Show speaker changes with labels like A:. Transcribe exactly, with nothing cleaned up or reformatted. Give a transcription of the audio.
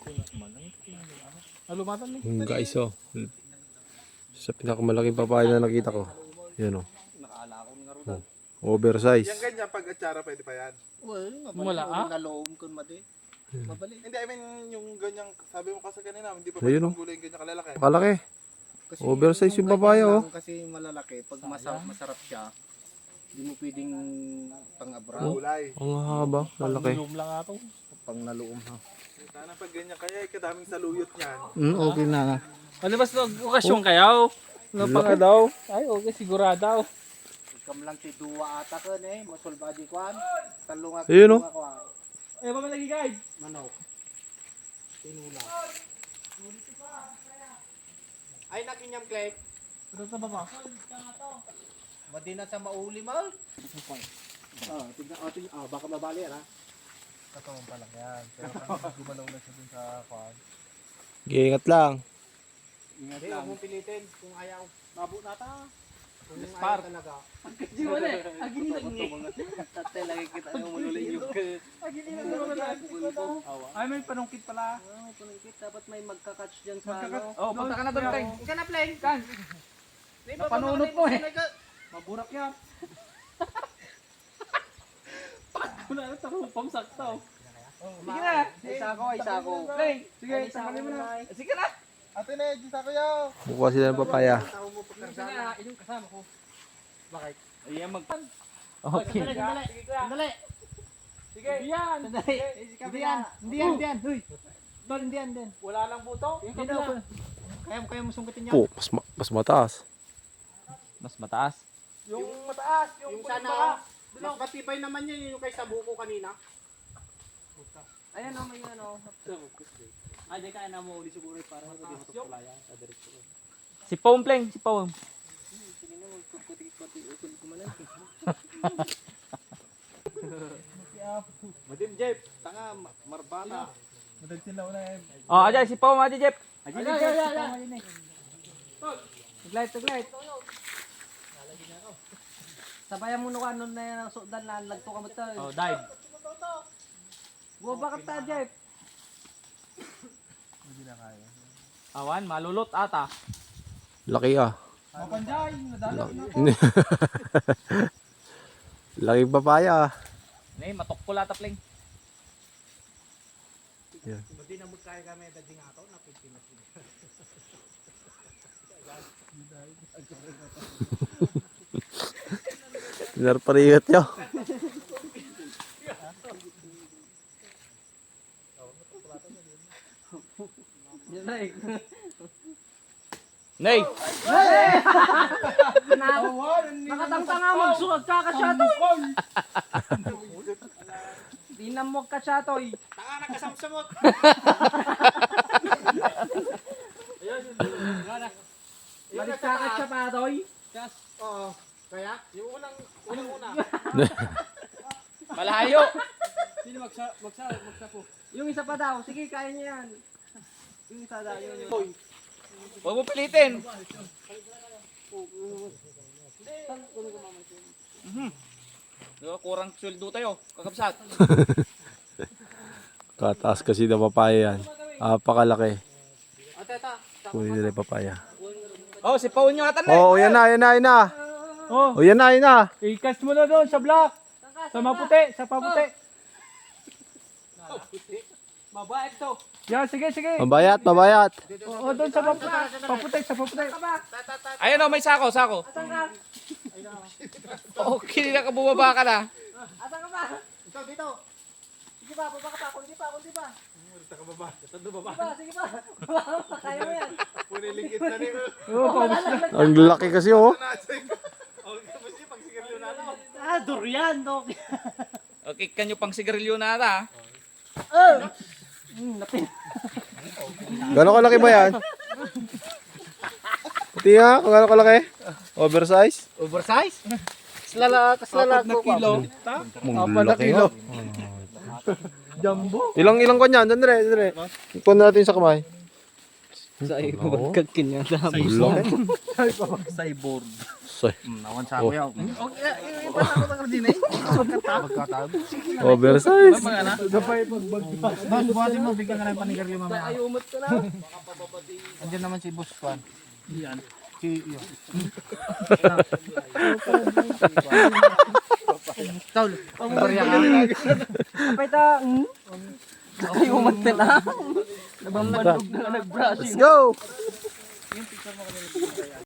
A: Yung guys oh. Sa pinakamalaking papaya na nakita ko. Yan oh. Oh, oversize.
B: Yung ganyan pag atsara pwede pa yan.
C: Wala ah.
D: Naloom kun madi. Mabalik.
B: Hindi, I mean yung ganyang, sabi mo kasi kanina, hindi pa
A: Ayun,
B: pwede
A: oh.
B: panggulay yung ganyan kalalaki.
A: Pakalaki.
D: Kasi
A: Oversize yung papaya,
D: ganyan
A: oh.
D: lang Kasi malalaki pag masarap, masarap siya. Hindi mo pwedeng pang-abra.
B: Gulay.
A: Ang haba. Lalaki.
C: Pang lang ato.
D: Pang naloom ha.
B: Sana pag ganyan kaya, eh, kadaming saluyot niyan.
D: Mm, okay na na.
C: Ano ba sa okasyon kayaw? Ano pa nga daw? Ay, okay, sigurado.
D: Kam lang ti duwa ata ko eh. Masulba di kwan. Talunga
A: Ayun, oh.
C: Ay, ba lagi guide?
D: Manok. Tinula. Ay nakinyam klek.
C: Ano sa baba?
D: Madi na sa mauli mal. Ah, tingnan oh, tingnan. Ah, baka mabali yan ha.
B: Katawang pa lang yan. Pero pag gumalaw na siya dun sa kwan.
A: Ingat lang.
D: Ingat lang. Huwag mong pilitin kung ayaw. Mabo na ta. Kung
C: Spark.
D: ayaw talaga.
C: Di ba na? Agini lang ni.
D: Tatay lagi kita yung mululay yung
C: Agini lang naman. Ay, may panungkit pala.
D: Ah, panungkit. Dapat may magka-catch dyan sa ano.
C: Oh, punta ka na doon, Pleng.
D: Ika na, Pleng.
C: Kan. Napanunot mo eh. Maburak yan. Wala na sa kupang sakto. Sige na.
D: Isa ko, isa ko.
C: Pleng, sige, tanggalin mo na. Sige na.
B: Ate na, Diyos ako yaw.
A: Bukuha sila ng papaya.
C: Sige na, inyong kasama ko.
D: Bakit?
C: Ayan, mag...
D: Okay. Sandali, sandali. Sandali.
C: Sige. Yan.
D: Sandali. Hindi yan. Hindi yan, hindi yan. Huy. Dol, hindi yan, hindi yan.
C: Wala lang buto.
D: Hindi daw. Kaya mo, kaya mo sungkitin yan.
A: Po, mas, ma- mas mataas.
E: Mas mataas.
C: Yung mataas, yung,
D: Yung
C: puting
D: sana,
C: baka.
D: mas matibay naman yan yung kay Sabuko kanina. Ayan o, may ano.
E: Ay, di kaya na mo uli siguro para hindi mo tupulayan sa diretso. Si Pom Pleng, si Pom.
D: Sige na, magkukuti-kuti. Ukul ko man
B: Madim, Jeff. Tanga, marbana.
C: Madag sila una eh.
E: Oh, ajay si Pom, ajay Jeff.
D: Ay, ay, ay, ay. Taglight, taglight. Sabayan mo nung ano na yan ang sudan na lagto ka mo ito.
E: Oh, dive.
D: Bumabakit ta, Jeff.
E: Awan, malulot ata.
A: Laki ah.
C: Mapanjay, nadalo na.
A: Laking papaya ah.
E: Nay, matok pula ta Pleng.
A: Yan.
D: Hindi na mo kaya kami dading ato na Pilipinas.
A: Pinarpariyot nyo.
D: Yan na eh.
E: Nay,
D: Nakatangtang nga magsuwag ka kasyatoy. Di na mo kasyatoy. Tanga na kasamsamot. Balik ka kasyatoy. Oo. Kaya? Yung unang, unang una.
E: malayo.
C: Sino magsa, magsa, magsa po.
D: Yung isa pa daw. Sige, kaya niya yan. Yung isa daw. Yun, yun.
E: Huwag mo pilitin. Mhm. Diba, kurang sweldo tayo, kakabsat.
A: Kataas kasi na papaya yan. Apakalaki.
D: Ate, ata.
A: Kunin nila yung papaya.
E: Oh, si Pao nyo atan na.
A: Oo, oh, yan na, yan na, yan na.
C: Oh,
A: Oh, yan na, yan na.
C: i-cast mo na doon sa block. Sa maputi, sa paputi.
D: Babae to.
C: Yan, sige, sige.
A: Mabayat, mabayat.
C: Oo, doon sa paputi, paputi, sa paputi.
E: Ayun oh, may sako, sako.
D: Asan ka?
E: Oh, kini na ka bumaba ka na.
D: Asan ka ba? Ikaw dito. Sige pa, baba ka pa. Kundi pa, kundi pa.
B: Punta ka baba.
D: Sige pa, sige pa. Kaya mo yan.
B: Punilingkit na rin.
C: Oo, pawis na.
A: Ang laki kasi oh.
B: Nasing. Okay, tapos yung pagsigarilyo na ako.
D: Ah, durian, dog.
E: Okay, kanyo pang sigarilyo na ata.
D: Oh! Hmm, napin.
A: Gano'ng kalaki ba yan? Pati nga, kung gano'ng kalaki. Oversize.
D: Oversize? Kaslala, kaslala ko.
C: Kilo.
A: Apat na kilo.
C: Jumbo.
A: Ilang ilang kanya? Dandre, dandre. Ikuha natin sa kamay.
C: Sa iyo, magkagkin yan.
A: Ulang.
C: Cyborg.
A: Say.
D: Nawan sa ako yaw. Okay, eh, pa ako ng din eh. Magkatab.
A: Oversize.
D: Boss, buhatin mo, bigyan ka ng panigaryo mamaya.
C: Ayumot ko na.
D: Andiyan naman si Boss Kwan.
C: Yan.
D: Si, yun. Tol, pambarya ka.
C: Kapay ta. Ayumot ka na. Nabambandog na nag-brushing.
A: Go!